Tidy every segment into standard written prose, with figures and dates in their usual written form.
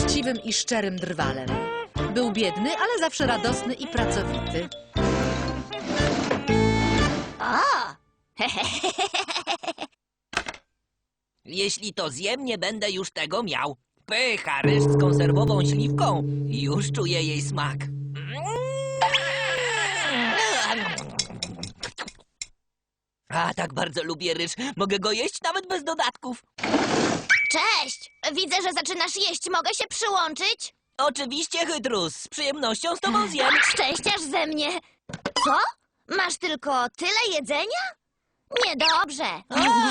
uczciwym i szczerym drwalem. Był biedny, ale zawsze radosny i pracowity. O! Jeśli to zjem, nie będę już tego miał. Pycha, ryż z konserwową śliwką. Już czuję jej smak. A, tak bardzo lubię ryż. Mogę go jeść nawet bez dodatków. Cześć! Widzę, że zaczynasz jeść. Mogę się przyłączyć? Oczywiście, Hydrus. Z przyjemnością z tobą zjem. Szczęściarz ze mnie. Co? Masz tylko tyle jedzenia? Niedobrze.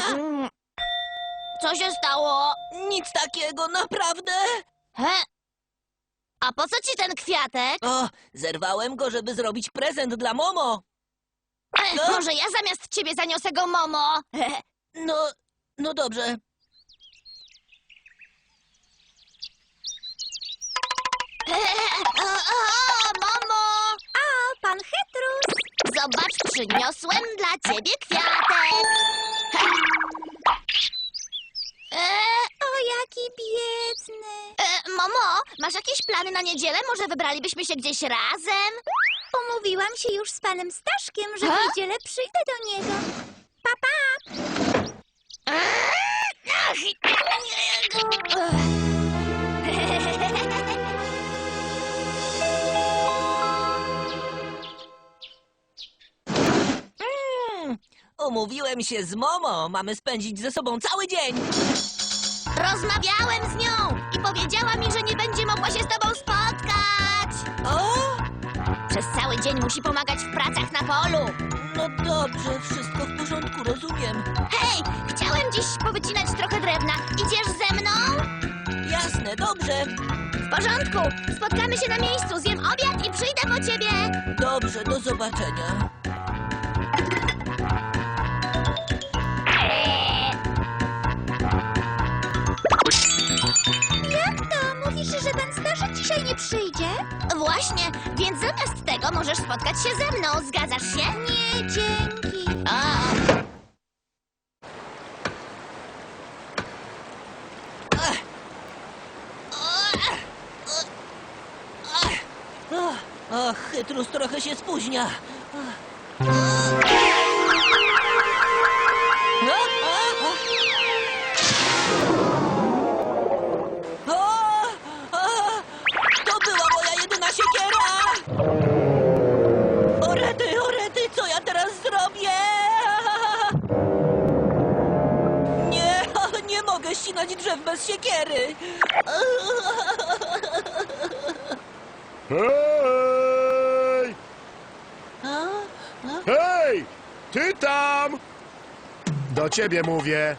Co się stało? Nic takiego, naprawdę. He? A po co ci ten kwiatek? O, zerwałem go, żeby zrobić prezent dla Momo. Może ja zamiast ciebie zaniosę go, Momo? No dobrze. Mamo! A, pan Hydrus! Zobacz, przyniosłem dla ciebie kwiatek. O, jaki biedny. Mamo, masz jakieś plany na niedzielę? Może wybralibyśmy się gdzieś razem? Umówiłam się już z panem Staszkiem, że w niedzielę przyjdę do niego. Pa, pa! Umówiłem się z Momo. Mamy spędzić ze sobą cały dzień. Rozmawiałem z nią i powiedziała mi, że nie będzie mogła się z tobą spotkać. O, Przez cały dzień musi pomagać w pracach na polu. no dobrze, wszystko w porządku, rozumiem. Hej, chciałem dziś powycinać trochę drewna. Idziesz ze mną? Jasne, dobrze. W porządku. Spotkamy się na miejscu, zjem obiad i przyjdę po ciebie. Dobrze, do zobaczenia. Jak to? Mówisz, że pan Staszek dzisiaj nie przyjdzie? Właśnie, więc zamiast tego możesz spotkać się ze mną. Zgadzasz się? Nie, dzięki. O. Och, Chytrus trochę się spóźnia. To była moja jedyna siekiera! Orety, co ja teraz zrobię? Nie mogę ścinać drzew bez siekiery. Hej! Hej! Ty tam! Do ciebie mówię.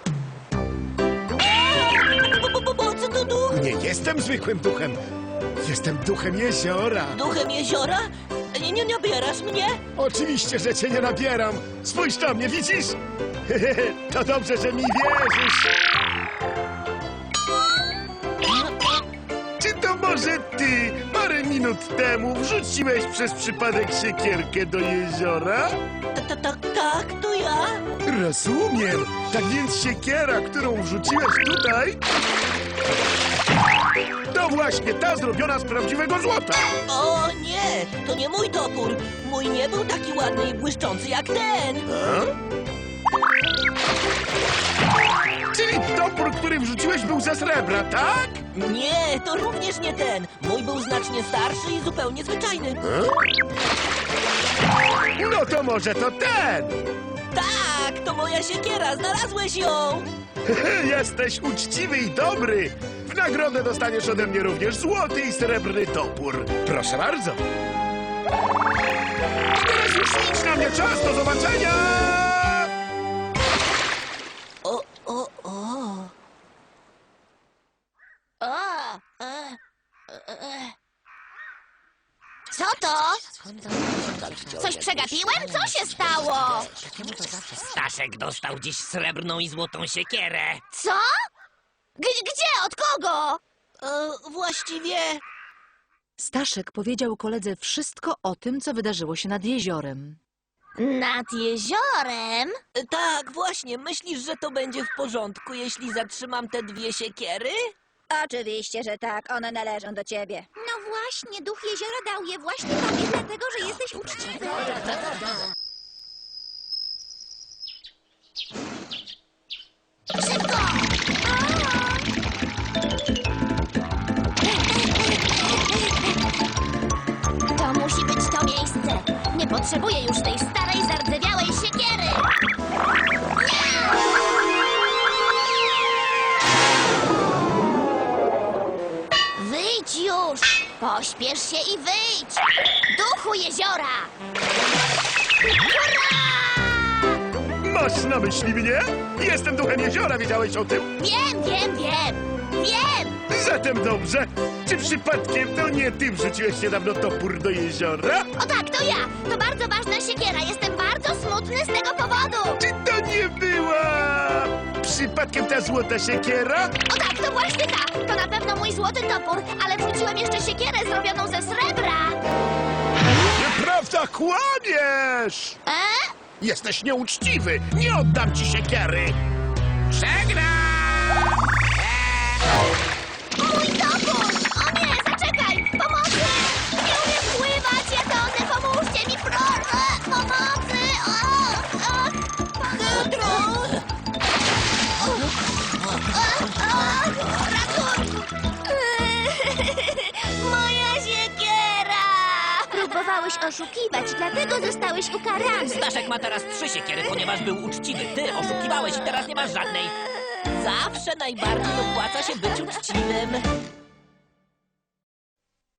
Co to duch? Nie jestem zwykłym duchem. Jestem duchem jeziora. Duchem jeziora? Nie nabierasz mnie? Oczywiście, że cię nie nabieram. Spójrz na mnie, widzisz? To dobrze, że mi wierzysz. Czy to może ty parę minut temu wrzuciłeś przez przypadek siekierkę do jeziora? Tak, to ja. Rozumiem. Tak więc siekiera, którą wrzuciłeś tutaj, to właśnie ta zrobiona z prawdziwego złota. O nie, to nie mój topór. Mój nie był taki ładny i błyszczący jak ten. Czyli topór, który wrzuciłeś, był ze srebra, tak? Nie, to również nie ten. Mój był znacznie starszy i zupełnie zwyczajny. No to może to ten. Tak, to moja siekiera, znalazłeś ją. Jesteś uczciwy i dobry. W nagrodę dostaniesz ode mnie również złoty i srebrny topór. Proszę bardzo. A teraz już idź na mnie czas, do zobaczenia! O. Co to? Coś przegapiłem? Co się stało? Staszek dostał dziś srebrną i złotą siekierę. Co? Gdzie? Od kogo? Właściwie... Staszek powiedział koledze wszystko o tym, co wydarzyło się nad jeziorem. Nad jeziorem? Tak, właśnie. Myślisz, że to będzie w porządku, jeśli zatrzymam te dwie siekiery? Oczywiście, że tak. One należą do ciebie. No właśnie, duch jeziora dał je właśnie tobie, dlatego, że jesteś uczciwy. Szybko! To musi być to miejsce. Nie potrzebuję już tej starej, zardzewiałej siekiery. Wyjdź już! Pośpiesz się i wyjdź! Duchu jeziora! Masz na myśli mnie? Jestem duchem jeziora, wiedziałeś o tym? Wiem! Zatem dobrze. Czy przypadkiem to nie ty wrzuciłeś niedawno topór do jeziora? O tak, to ja! To bardzo ważna siekiera. Jestem bardzo smutny z tego powodu. Czy to nie była przypadkiem ta złota siekiera? O tak, to właśnie ta! To na pewno mój złoty topór, ale wrzuciłem jeszcze siekierę zrobioną ze srebra. Nieprawda, kłamiesz! Jesteś nieuczciwy! Nie oddam ci siekiery! Mój topór! O nie, zaczekaj! Pomocy! Nie umiem pływać, ja tonę! Pomóżcie mi, proszę! Pomocy! Chytrus! Ratunku! Moja siekiera! Próbowałeś oszukiwać, dlatego zostałeś ukarany. Staszek ma teraz 3 siekiery, ponieważ był uczciwy. Ty oszukiwałeś i teraz nie masz żadnej. Zawsze najbardziej opłaca się być uczciwym.